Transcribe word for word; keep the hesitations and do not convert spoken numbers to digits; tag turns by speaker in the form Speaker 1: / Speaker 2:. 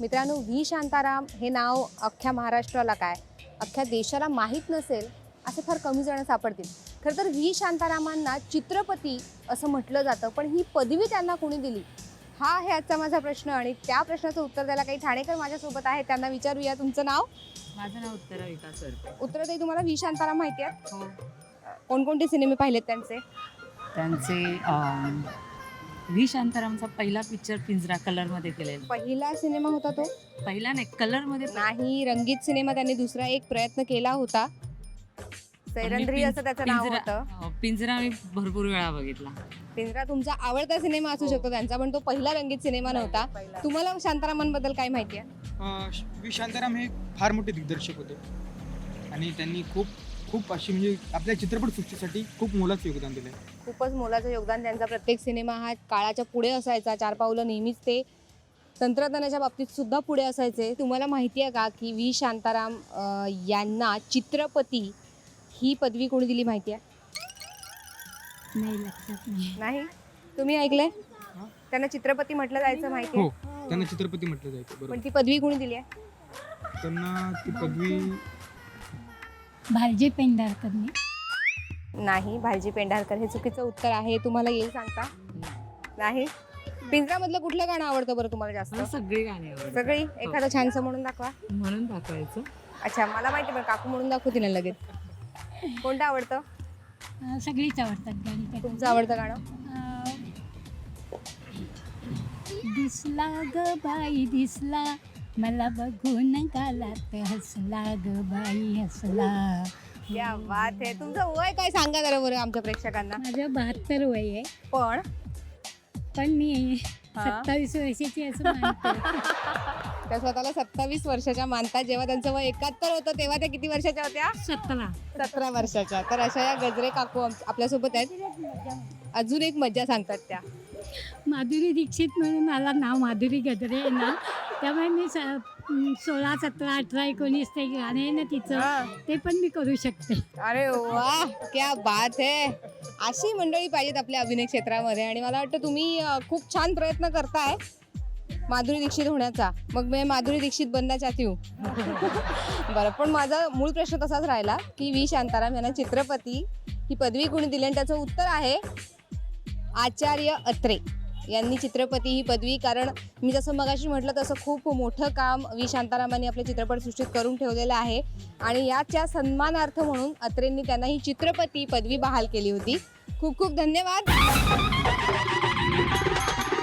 Speaker 1: मित्रांनो, व्ही शांताराम हे नाव अख्ख्या महाराष्ट्राला काय अख्ख्या देशाला माहीत नसेल असे फार कमी जण सापडतील. खरं तर व्ही शांतारामांना चित्रपती असं म्हटलं जातं, पण ही पदवी त्यांना कोणी दिली हा आहे आजचा माझा प्रश्न. आणि त्या प्रश्नाचं उत्तर द्यायला काही ठाणेकर माझ्यासोबत आहे, त्यांना विचारूया. तुमचं नाव?
Speaker 2: माझं नाव उत्तरा विकास सरते.
Speaker 1: उत्तर ताई, तुम्हाला व्ही शांताराम माहिती आहेत?
Speaker 2: हो.
Speaker 1: कोणकोणते सिनेमे पाहिलेत त्यांचे?
Speaker 2: त्यांचे अं, व्ही शांतारामचा पहिला पिक्चर पिंजरा कलरमध्ये केलेला.
Speaker 1: पहिला सिनेमा होता तो?
Speaker 2: पहिला नाही, कलरमध्ये
Speaker 1: नाही, रंगीत सिनेमा त्यांनी दुसरा एक प्रयत्न केला होता. सैरंध्री असं त्याचं नाव होतं.
Speaker 2: पिंजरा पिंजरा मी भरपूर वेळा बघितला.
Speaker 1: पिंजरा तुमचा आवडता सिनेमा असू शकतो त्यांचा, पण तो पहिला रंगीत सिनेमा नव्हता. तुम्हाला शांतारामांबद्दल काय माहिती आहे?
Speaker 3: व्ही शांताराम हे फार मोठे दिग्दर्शक होते आणि त्यांनी खूप खूप अशी म्हणजे आपल्या चित्रपटसृष्टीसाठी खूप मोलाचं योगदान दिलं आहे.
Speaker 1: खूपच मोलाचं योगदान. त्यांचा प्रत्येक सिनेमा हा काळाच्या पुढे असायचा. चार पावलं नेहमीच ते तंत्रज्ञानाच्या बाबतीत सुद्धा पुढे असायचे. तुम्हाला माहिती आहे का की व्ही शांताराम अं, यांना चित्रपती ही पदवी कोणी दिली माहिती आहे?
Speaker 4: नाही, लक्षात नाही.
Speaker 1: नाही, तुम्ही ऐकलंय? त्यांना चित्रपती म्हटलं जायचं माहिती
Speaker 3: हो,
Speaker 1: आहे,
Speaker 3: त्यांना चित्रपती म्हटलं जायचं.
Speaker 1: पण
Speaker 3: बरोबर.
Speaker 1: ती पदवी कोणी दिली आहे?
Speaker 3: त्यांना ती पदवी
Speaker 4: भालजी पेंढारकरने.
Speaker 1: नाही, भालजी पेंढारकर हे चुकीचं उत्तर आहे. तुम्हाला येईल सांगता? नाही. पिंजरामधलं कुठलं गाणं आवडतं बरं तुम्हाला जास्त?
Speaker 2: मला सगळी गाणी आवडतात.
Speaker 1: सगळी? एखादं छानसं म्हणून दाखवा.
Speaker 2: म्हणून दाखवायचं.
Speaker 1: अच्छा, मला माहिती, पण काकू म्हणून दाखवते ना लगेच. कोणतं आवडतं?
Speaker 4: अं, सगळीच आवडतात गाणी त्यात.
Speaker 1: तुमचं आवडतं गाणं?
Speaker 4: अं, दिसला ग बाई दिसला, मला बघून गालात हसला ग बाई हसला.
Speaker 1: क्या बात आहे. तुमचं वय काय सांगा जरा बरं आमच्या प्रेक्षकांना.
Speaker 4: माझं बहात्तर वय आहे,
Speaker 1: पण
Speaker 4: पण मी
Speaker 1: हा?
Speaker 4: सत्तावीस वर्षाची असं मानते.
Speaker 1: त्या स्वतःला सत्तावीस वर्षाच्या मानतात. जेव्हा त्यांचं वय एकाहत्तर होतं तेव्हा त्या किती वर्षाच्या होत्या?
Speaker 4: सतरा.
Speaker 1: सतरा वर्षाच्या. तर अशा या गजरे काकू आम- आपल्यासोबत आहेत. अजून एक मज्जा सांगतात त्या.
Speaker 4: माधुरी दीक्षित म्हणून मला नाव माधुरी गजरे आहे ना, त्यामुळे मी स सोळा सतरा अठरा एकोणीस ते गाणे आहे ना तिचं,
Speaker 1: हा.
Speaker 4: ते पण मी करू शकते.
Speaker 1: अरे वा, क्या बात है. अशी मंडळी पाहिजेत आपल्या अभिनय क्षेत्रामध्ये. आणि मला वाटतं तुम्ही अ, खूप छान प्रयत्न करताय माधुरी दीक्षित होण्याचा. मग मी माधुरी दीक्षित बनना चाहती हूँ. बरं, पण माझा मूळ प्रश्न तसाच राहिला की व्ही शांताराम यांना चित्रपती ही पदवी कोणी दिली, आणि त्याचं उत्तर आहे आचार्य अत्रे यांनी चित्रपती ही पदवी. कारण मी जसं मगाशी म्हटलं तसं खूप मोठं काम व्ही शांतारामांनी आपल्या चित्रपटसृष्टीत करून ठेवलेलं आहे. आणि याच्या सन्मानार्थ म्हणून अत्रेंनी त्यांना ही चित्रपती पदवी बहाल केली होती. खूप खूप धन्यवाद.